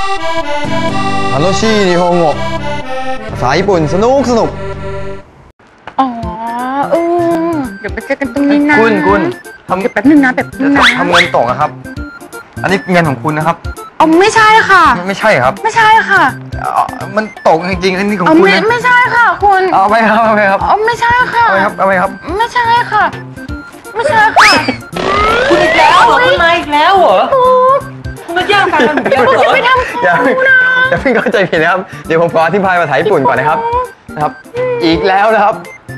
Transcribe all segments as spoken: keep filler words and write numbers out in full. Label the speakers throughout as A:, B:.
A: 楽しい日本語ภาษาญี่ปุ่นสนุกสนุก
B: อ๋อเออเดี๋ยวไปเจอกันตรงนี้นะ
A: คุณคุณทำ
B: เดี๋ยวแป๊บนึงนะแบบนึงนะ
A: ทำเงินตกอะครับอันนี้เงินของคุณนะครับ
B: อ๋อไม่ใช่ค่ะ
A: ไม่ใช่ครับ
B: ไม่ใช่ค่ะ
A: มันตกจริงๆอันนี้ของ
B: คุณ
A: นะ
B: ไม่ใช่ค่ะคุณ
A: เอาไปครับเอาไปครับ
B: อ๋อไม่ใช่ค่ะ
A: เอาไปครับเอาไปครับ
B: ไม่ใช่ค่ะไม่ใช่ค่ะ
C: คุณอีกแล้วเหรอคุณมาอีกแล้วเหรอคุณมาแย่งแฟนกันผมเยอะเหรอ
B: ไม่ทำ
A: อย่าอย่าเพิ่งเข้าใจผิดนะครับเดี๋ยวผมขออธิบายภาษาญี่ปุ่นก่อนนะครับนะครับอีกแล้วนะครับ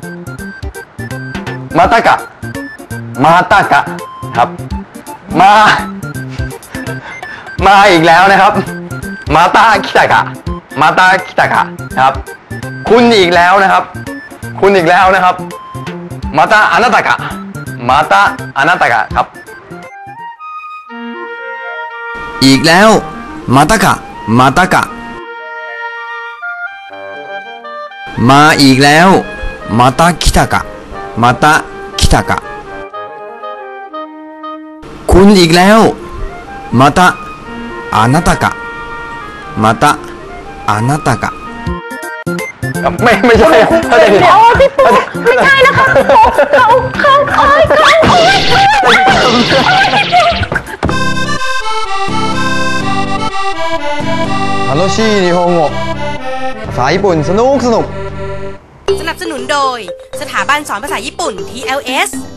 A: มาตากะมาตากะครับมามาอีกแล้วนะครับมาตาคิตากะมาตาคิตากะครับคุณอีกแล้วนะครับคุณอีกแล้วนะครับมาตาอานาตากะมาตาอานาตากะครับอีกแล้วมาตากะมาตากะมาอีกแล้วมาตาคิตากะมาตาคิตากะคุณอีกแล้วมาตาอานาตากะมาตาอานาตากะไม่ไม่ใช่เขาจะผิด
B: อ๋อพี่ปุ๊ไม่ใช่นะคะเขาเขาเขาเขา
A: 楽しい日本語ภาษาญี่ปุ่นสนุกสนุก
D: สนับสนุนโดยสถาบันสอนภาษาญี่ปุ่น ที แอล เอส